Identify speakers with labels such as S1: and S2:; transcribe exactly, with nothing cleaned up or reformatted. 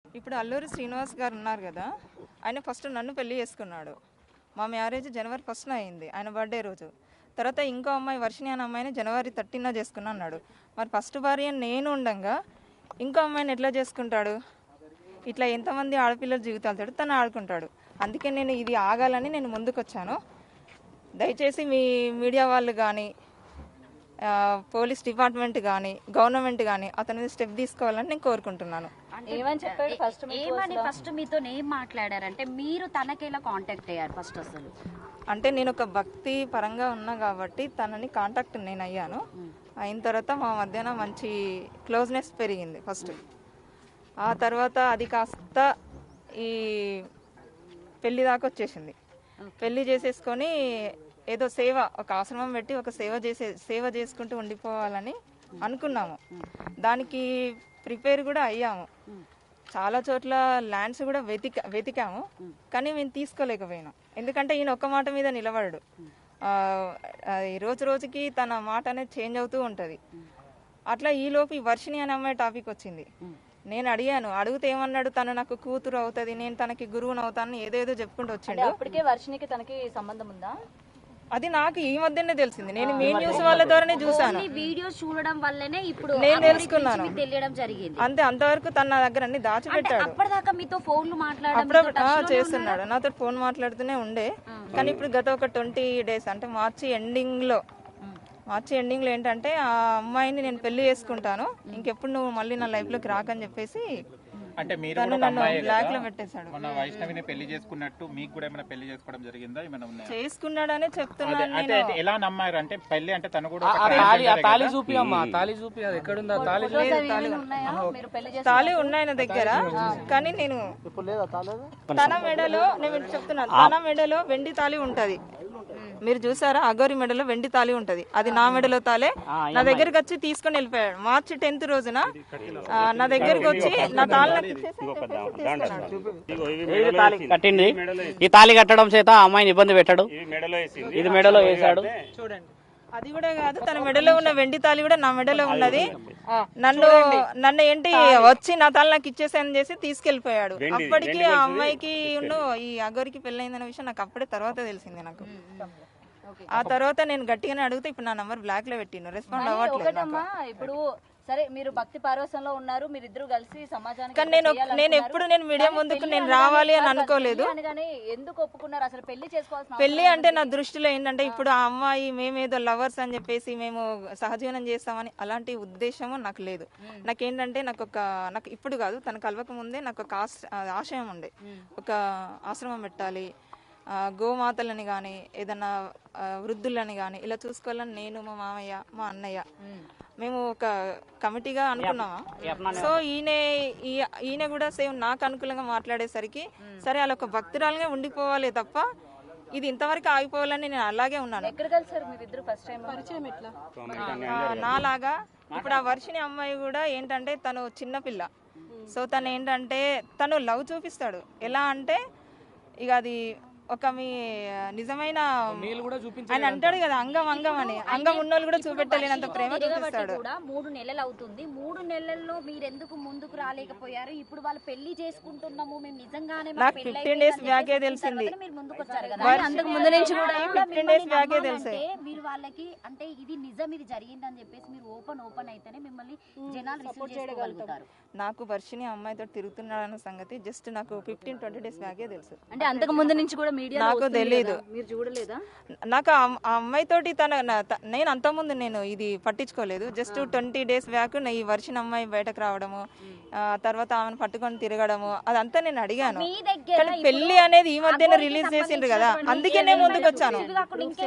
S1: ఇప్పుడు అల్లూరి శ్రీనివాస్ గారు ఉన్నారు కదా, ఆయన ఫస్ట్ నన్ను పెళ్లి చేసుకున్నాడు. మా మ్యారేజ్ జనవరి ఫస్ట్న అయింది, ఆయన బర్త్డే రోజు. తర్వాత ఇంకో అమ్మాయి వర్షిణి అనే అమ్మాయిని జనవరి థర్టీన చేసుకున్నా అన్నాడు. మరి ఫస్ట్ భార్య నేను ఉండగా ఇంకో అమ్మాయిని ఎట్లా చేసుకుంటాడు? ఇట్లా ఎంతమంది ఆడపిల్లల జీవితాలతో తను ఆడుకుంటాడు. అందుకే నేను ఇది ఆగాలని నేను ముందుకు వచ్చాను. దయచేసి మీ మీడియా వాళ్ళు కానీ, పోలీస్ డిపార్ట్మెంట్ కానీ, గవర్నమెంట్ కానీ అతని మీద స్టెప్ తీసుకోవాలని నేను కోరుకుంటున్నాను.
S2: ఏమని చెప్పాడు ఫస్ట్?
S3: ఏమని ఫస్ట్ మీతో ఏం మాట్లాడారంటే మీరు తనకేలా కాంటాక్ట్ అయ్యారు ఫస్ట్? అసలు
S1: అంటే నేను ఒక భక్తి పరంగా ఉన్నా కాబట్టి తనని కాంటాక్ట్ నేను అయ్యాను. అయిన తర్వాత మా మధ్యన మంచి క్లోజ్నెస్ పెరిగింది ఫస్ట్. ఆ తర్వాత అది కాస్త ఈ పెళ్లి దాకా వచ్చేసింది. పెళ్లి చేసేసుకొని ఏదో సేవ, ఒక ఆశ్రమం పెట్టి ఒక సేవ చేసే సేవ చేసుకుంటూ ఉండిపోవాలని అనుకున్నాము. దానికి ప్రిపేర్ కూడా అయ్యాము. చాలా చోట్ల ల్యాండ్స్ కూడా వెతిక వెతికాము కానీ మేము తీసుకోలేకపోయినాం. ఎందుకంటే ఈయన ఒక్క మాట మీద నిలబడడు. రోజు రోజుకి తన మాట అనేది చేంజ్ అవుతూ ఉంటుంది. అట్లా ఈలోపు ఈ వర్షిణి అనే అమ్మాయి టాపిక్ వచ్చింది. నేను అడిగాను, అడిగితే ఏమన్నాడు, తను నాకు కూతురు అవుతుంది, నేను తనకి గురువుని అవుతాను, ఏదేదో చెప్పుకుంటూ వచ్చిండు.
S2: అప్పటికే వర్షినికి తనకి సంబంధం ఉందా?
S1: అది నాకు ఈ మధ్యనే తెలిసింది. నేను మీ న్యూస్ వాళ్ళ ద్వారానే చూసాను.
S3: వీడియోస్ చూడడం వల్లనే ఇప్పుడు
S1: నేను తెలుసుకున్నాను.
S3: తెలియడం జరిగింది.
S1: అంతే, అంతవరకు తన నా దగ్గర అన్ని దాచిపెట్టాడు.
S3: అప్పటిదాకా మీతో ఫోన్లు
S1: మాట్లాడడం చేస్తున్నాడు, నాతో ఫోన్ మాట్లాడుతూనే ఉండే. కానీ ఇప్పుడు గత ఒక ట్వంటీ డేస్ అంటే మార్చి ఎండింగ్ లో మార్చి ఎండింగ్ లో ఏంటంటే ఆ అమ్మాయిని నేను పెళ్లి చేసుకుంటాను, ఇంకెప్పుడు నువ్వు మళ్ళీ నా లైఫ్ లోకి రాకని చెప్పేసి
S4: అంటే మీరు
S1: నన్ను బ్లాక్ లో పెట్టేశాడు.
S4: మన వైష్ణవిని పెళ్లి చేసుకున్నట్టు మీకు కూడా ఏమైనా పెళ్లి చేసుకోవడం జరిగిందా? ఏమైనా ఉన్నాయా?
S1: చేసుకున్నాడనే చెప్తున్నాను.
S4: అంటే ఎలా నమ్మారు? అంటే పెళ్లి అంటే తను కూడా
S5: తాళి చూపి అమ్మా, తాళి చూపి. అది ఎక్కడుందా తాళి?
S1: తాళి ఉన్నాయి నా దగ్గర, కానీ నేను తన మెడలో, నేను చెప్తున్నాను, తన మెడలో వెండి తాళి ఉంటది. మీరు చూసారా, అగోరి మెడలో వెండి తాళి ఉంటది, అది నా మెడలో తాలే. నా దగ్గరికి వచ్చి తీసుకొని వెళ్ళిపోయాడు. మార్చి టెన్త్ రోజున నా దగ్గరికి వచ్చి నా తాళి
S5: కట్టింది. ఈ తాళి కట్టడం చేత అమ్మాయిని ఇబ్బంది పెట్టాడు, ఇది మెడలో వేసాడు.
S1: చూడండి, అది కూడా కాదు, తన మెడలో ఉన్న వెండి తాళి కూడా నా మెడలో ఉన్నది. నన్ను నన్ను ఏంటి వచ్చి నా తాళి నాకు ఇచ్చేసాను చేసి తీసుకెళ్లిపోయాడు. అప్పటికి ఆ అమ్మాయికి ఈ అగోరికి పెళ్ళైందనే విషయం నాకు అప్పుడే తర్వాత తెలిసింది. నాకు ఆ తర్వాత నేను గట్టిగానే అడిగితే ఇప్పుడు నా నంబర్ బ్లాక్ లో పెట్టిను, రెస్పాండ్ అవ్వట్లేదు.
S2: ఇప్పుడు సరే, మీరు భక్తి పార్వసంలో ఉన్నారు, మీరిద్దరు కలిసి సమాజానికి.
S1: కానీ నేను నేను ఎప్పుడు నేను మీడియా ముందుకు నేను రావాలి అని అనుకోలేదు.
S2: ఎందుకు ఒప్పుకున్నారు అసలు పెళ్లి చేసుకోవాల్సిన?
S1: పెళ్లి అంటే నా దృష్టిలో ఏంటంటే ఇప్పుడు ఆ అమ్మాయి మేమేదో లవర్స్ అని చెప్పేసి మేము సహజీవనం చేస్తామని అలాంటి ఉద్దేశము నాకు లేదు. నాకేంటంటే నాకు ఒక నాకు ఇప్పుడు కాదు, తన కలవక ముందే నాకు ఒక ఆశయం ఉండే, ఒక ఆశ్రమం పెట్టాలి, గోమాతలని కానీ ఏదన్నా వృద్ధులని కానీ ఇలా చూసుకోవాలని నేను, మా మామయ్య, మా అన్నయ్య మేము ఒక కమిటీగా అనుకున్నామా. సో ఈయన ఈయన కూడా సేమ్ నాకు అనుకూలంగా మాట్లాడేసరికి సరే అలా ఒక భక్తురాలుగా ఉండిపోవాలి తప్ప ఇది ఇంతవరకు ఆగిపోవాలని నేను అలాగే ఉన్నాను. నాలాగా ఇప్పుడు ఆ వర్షిణి అమ్మాయి కూడా ఏంటంటే తను చిన్నపిల్ల. సో తను ఏంటంటే తను లవ్ చూపిస్తాడు. ఎలా అంటే ఇక అది ఒక మీ నిజమైన ఆయన అంటాడు కదా, అంగం అంగం అని, అంగం ఉన్నోళ్ళు కూడా చూపెట్టలేనంత ప్రేమ చూపిస్తాడు.
S3: మూడు నెలలు అవుతుంది, మూడు నెలల్లో మీరు ఎందుకు ముందుకు రాలేకపోయారు? ఇప్పుడు వాళ్ళు పెళ్లి చేసుకుంటున్నాము మేము నిజంగానే
S1: నాకు ఫిఫ్టీన్ డేస్ బ్యాకే తెలిసింది.
S3: మీరు ముందుకు వచ్చారు కదా,
S2: అంతకు ముందు నుంచి కూడా
S1: ఫిఫ్టీన్ డేస్ బ్యాకే తెలిసే
S3: మీరు వాళ్ళకి అంటే ఇది నిజం, ఇది జరిగిందని చెప్పేసి మీరు ఓపెన్ ఓపెన్ అయితేనే మిమ్మల్ని జనాలు రిసీవ్ చేసుకోగలుగుతారు.
S1: నాకు వర్షిణి అమ్మాయితో తిరుగుతున్నాడన్న సంగతి జస్ట్ నాకు ఫిఫ్టీన్ ట్వంటీ డేస్ బ్యాకే తెలుసు.
S2: అంటే అంతకు ముందు నుంచి కూడా
S1: నాకు తెలియదు.
S2: మీరు చూడలేదా?
S1: నాకు ఆ అమ్మాయితోటి తన నేను అంత ముందు నేను ఇది పట్టించుకోలేదు. జస్ట్ ట్వంటీ డేస్ బ్యాక్ ఈ వర్షిణి అమ్మాయి బయటకు రావడము, తర్వాత ఆమెను పట్టుకొని తిరగడము అదంతా నేను అడిగాను. కానీ పెళ్లి అనేది ఈ మధ్యన రిలీజ్ చేసిండ్రు కదా, అందుకే నేను ముందుకు వచ్చాను.